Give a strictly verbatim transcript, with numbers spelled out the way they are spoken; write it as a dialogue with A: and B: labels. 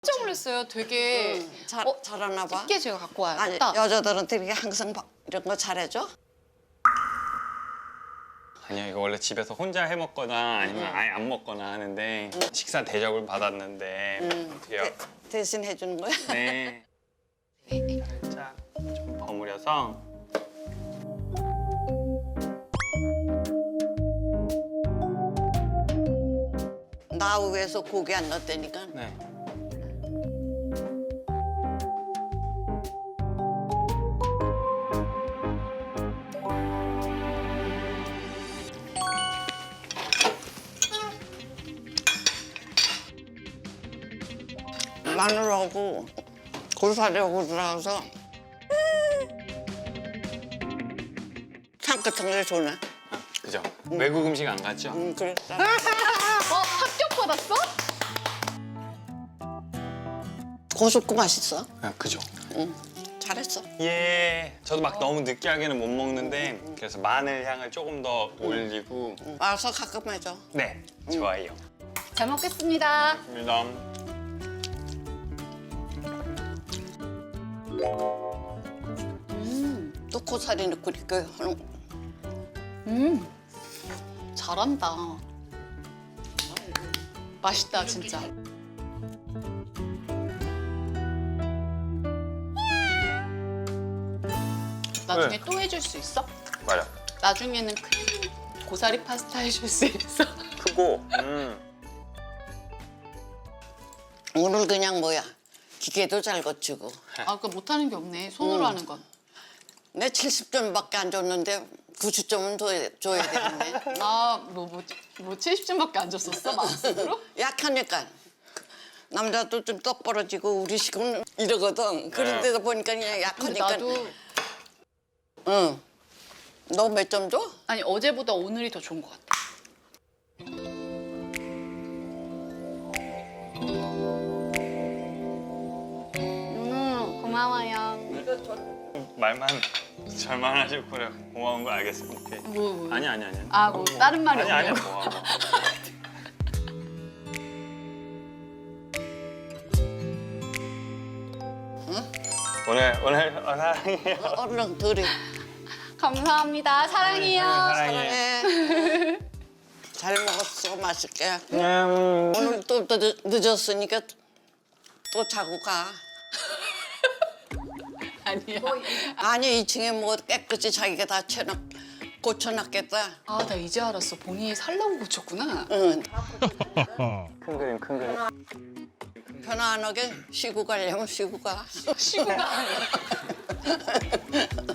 A: 깜짝 놀랐어요. 되게
B: 응, 잘,
A: 어,
B: 잘하나 봐.
A: 쉽게 제가 갖고 와요.
B: 아니,
A: 딱.
B: 여자들은 되게 항상 바- 이런 거 잘해줘?
C: 아니요, 이거 원래 집에서 혼자 해 먹거나 아니면 아예 안 먹거나 하는데 식사 대접을 받았는데
B: 응.
C: 어떻게요?
B: 대, 대신 해주는 거야?
C: 네. 살짝 좀 버무려서
B: 나 위해서 고기 안 넣었다니까.
C: 네.
B: 마늘하고 고사리하고 들어가서 향긋한 게 좋네.
C: 그죠? 외국 음식 안 갔죠?
B: 응, 그랬어.
A: 어, 합격 받았어?
B: 고소고 맛있어.
C: 아, 그죠?
B: 응, 잘했어.
C: 예. 저도 막 너무 느끼하게는 못 먹는데 그래서 마늘 향을 조금 더 올리고
B: 응. 와서 가끔 해줘.
C: 네, 좋아요.
A: 잘 먹겠습니다.
C: 감사합니다.
A: 음,
B: 또 고사리 넣고 이렇게 하는 거.
A: 음, 잘한다. 맛있다 진짜. 나중에
C: 네.
A: 또 해줄 수 있어?
C: 맞아.
A: 나중에는 큰 고사리 파스타 해줄 수 있어?
C: 크고. 음.
B: 오늘 그냥 뭐야, 기계도 잘 거치고.
A: 아, 그러니까 못하는 게 없네. 손으로
B: 음.
A: 하는 건.
B: 내 칠십 점밖에 안 줬는데 구십 점은 더 줘야 되겠네.
A: 아, 뭐, 뭐, 뭐 칠십 점밖에 안 줬었어? 마음속으로?
B: 약하니까. 남자도 좀 똑부러지고 우리 식은 이러거든. 그런데도 보니까 그냥
A: 근데
B: 약하니까.
A: 나도
B: 응. 너 몇 점 줘?
A: 아니 어제보다 오늘이 더 좋은 것 같아. 음, 고마워요.
C: 말만 잘만 하시고 그래 고마운 거 알겠습니다. 오케이.
A: 뭐, 뭐.
C: 아니 아니 아니.
A: 아, 뭐 다른 말이
C: 아니 아니
A: 없냐고.
C: 뭐. 뭐. 오늘 오늘 어, 사랑해요.
B: 얼른 들이.
A: 감사합니다. 사랑해요.
C: 사랑해.
B: 사랑해. 잘 먹었어. 맛있게.
C: 음.
B: 오늘 또 늦, 늦었으니까 또 자고 가.
A: 아니야.
B: 아니 이 층에 뭐 깨끗이 자기가 다 채놓 고쳐놨겠다.
A: 아, 나 이제 알았어. 본인이 살라고 고쳤구나.
B: 응.
C: 큰 그림 큰 그림.
B: 편안하게 쉬고 가려면 쉬고 가.
A: 쉬고 가.